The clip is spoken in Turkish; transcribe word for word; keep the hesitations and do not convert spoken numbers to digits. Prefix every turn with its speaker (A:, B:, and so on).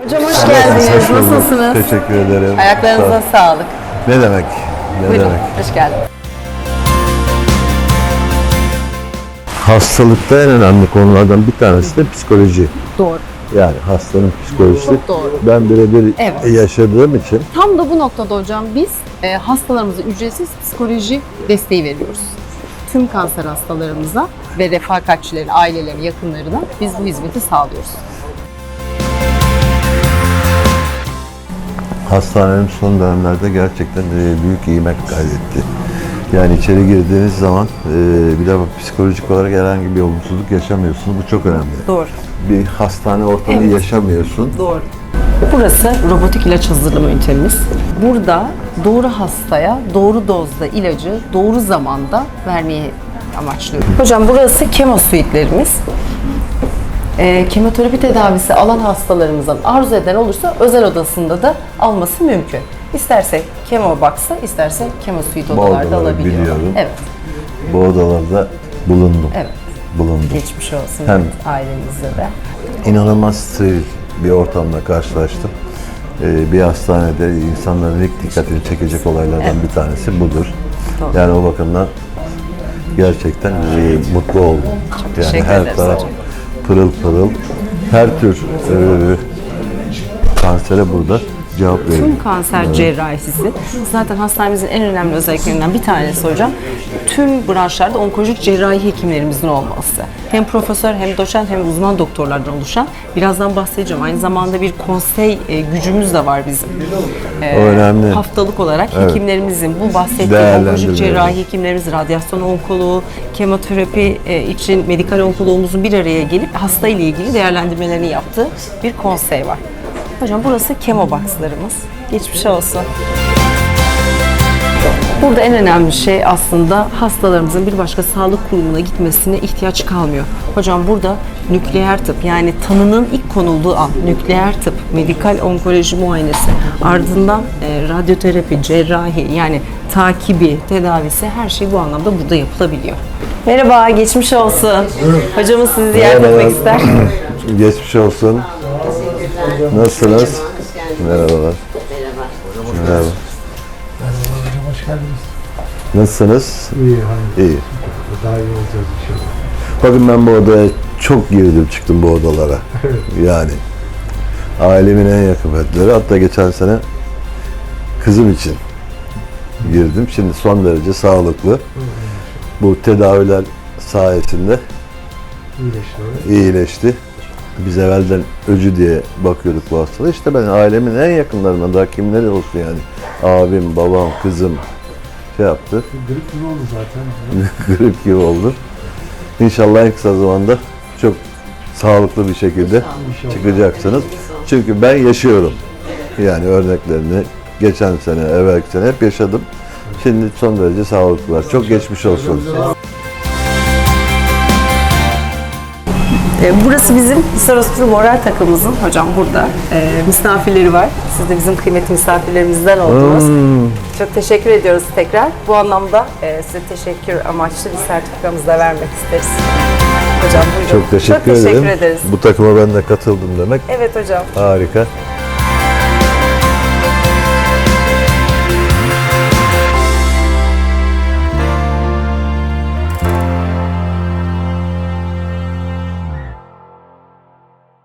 A: Hocam hoş geldiniz.
B: Hoş bulduk.
A: Nasılsınız?
B: Teşekkür ederim.
A: Ayaklarınıza sağlık.
B: Ne demek? Ne
A: Buyurun.
B: demek?
A: Hoş geldiniz.
B: Hastalıkta en önemli konulardan bir tanesi de psikoloji.
A: Doğru.
B: Yani hastanın psikolojisi.
A: Çok doğru.
B: Ben birebir
A: Evet.
B: yaşadığım için
A: Tam da bu noktada hocam biz e, hastalarımıza ücretsiz psikoloji desteği veriyoruz. Tüm kanser hastalarımıza ve refakatçilerin, ailelerin, yakınlarına biz bu hizmeti sağlıyoruz.
B: hastanenin son dönemlerde gerçekten e, büyük ivmek kaydetti. Yani içeri girdiğiniz zaman e, bir de psikolojik olarak herhangi bir olumsuzluk yaşamıyorsunuz. Bu çok önemli.
A: Doğru.
B: Bir hastane ortamı
A: Evet.
B: yaşamıyorsun.
A: Doğru. Burası robotik ilaç hazırlama ünitemiz. Burada doğru hastaya doğru dozda ilacı doğru zamanda vermeyi amaçlıyoruz. Hocam burası kemo suitlerimiz. E, kemoterapi tedavisi alan hastalarımızın arzu eden olursa özel odasında da alması mümkün. İsterse kemo box'ta, isterse kemo suite
B: Bu
A: odalarda
B: odaları
A: alabiliyorlar.
B: biliyorum.
A: Evet,
B: Bu odalarda bulundum.
A: evet.
B: Bulundum.
A: Geçmiş olsun
B: Hem-
A: evet, ailenizde de.
B: İnanılmaz steril bir ortamla karşılaştım. Ee, bir hastanede insanların ilk dikkatini çekecek olaylardan
A: Evet.
B: bir tanesi budur.
A: Doğru.
B: Yani o bakımdan gerçekten e, mutlu oldum. Yani
A: teşekkür
B: her
A: ederiz
B: taraf
A: hocam.
B: pırıl pırıl. Her tür e, kansere burada cevap veriyor.
A: Tüm kanser cerrahisi zaten hastanemizin en önemli özelliklerinden bir tanesi hocam. Tüm branşlarda onkolojik cerrahi hekimlerimizin olması. Hem profesör hem doçent hem uzman doktorlardan oluşan. Birazdan bahsedeceğim. Aynı zamanda bir konsey e, gücümüz de var bizim. E,
B: O önemli.
A: Haftalık olarak
B: Evet.
A: hekimlerimizin bu bahsettiğim
B: Değerlendirmeleri.
A: onkolojik cerrahi hekimlerimiz, radyasyon onkoloğu, kemoterapi e, için medikal onkoloğumuzun bir araya gelip hasta ile ilgili değerlendirmelerini yaptığı bir konsey var. Hocam burası kemo box'larımız. Geçmiş olsun. Burada en önemli şey aslında hastalarımızın bir başka sağlık kurumuna gitmesine ihtiyaç kalmıyor. Hocam burada nükleer tıp yani tanının ilk konulduğu an nükleer tıp, medikal onkoloji muayenesi, ardından e, radyoterapi, cerrahi yani takibi, tedavisi her şey bu anlamda burada yapılabiliyor. Merhaba, geçmiş olsun. Hocamız sizi ziyaret
B: Merhabalar.
A: etmek ister.
B: Geçmiş olsun. Nasılsınız? Merhabalar.
C: Merhaba.
B: Merhaba.
D: Merhaba hocam, hoş geldiniz.
B: Nasılsınız?
D: İyi, hayır.
B: İyi.
D: Daha iyi olacağız inşallah.
B: Bakın ben bu odaya çok girdim çıktım bu odalara. Yani ailemin en yakın fertleri. Hatta geçen sene kızım için girdim. Şimdi son derece sağlıklı. Bu tedaviler sayesinde
D: İyileşti öyle.
B: iyileşti. Biz evvelden öcü diye bakıyorduk bu hastalığa. İşte ben ailemin en yakınlarına da kimleri olsun yani. Abim, babam, kızım şey yaptı.
D: Grip gibi oldu zaten.
B: Grip gibi oldu. İnşallah en kısa zamanda çok sağlıklı bir şekilde
D: İnşallah.
B: çıkacaksınız. Çünkü ben yaşıyorum. Yani örneklerini geçen sene, evvelki sene hep yaşadım. Şimdi son derece sağlıklılar. Çok geçmiş olsun.
A: E, Burası bizim Hisar Hospital moral takımımızın hocam burada e, misafirleri var. Siz de bizim kıymetli misafirlerimizden oldunuz.
B: Hmm.
A: Çok teşekkür ediyoruz tekrar. Bu anlamda e, size teşekkür amaçlı bir sertifikamızı da vermek isteriz. Hocam buyurun.
B: Çok teşekkür,
A: Çok teşekkür
B: ederim.
A: ederiz.
B: Bu takıma ben de katıldım demek.
A: Evet hocam.
B: Harika.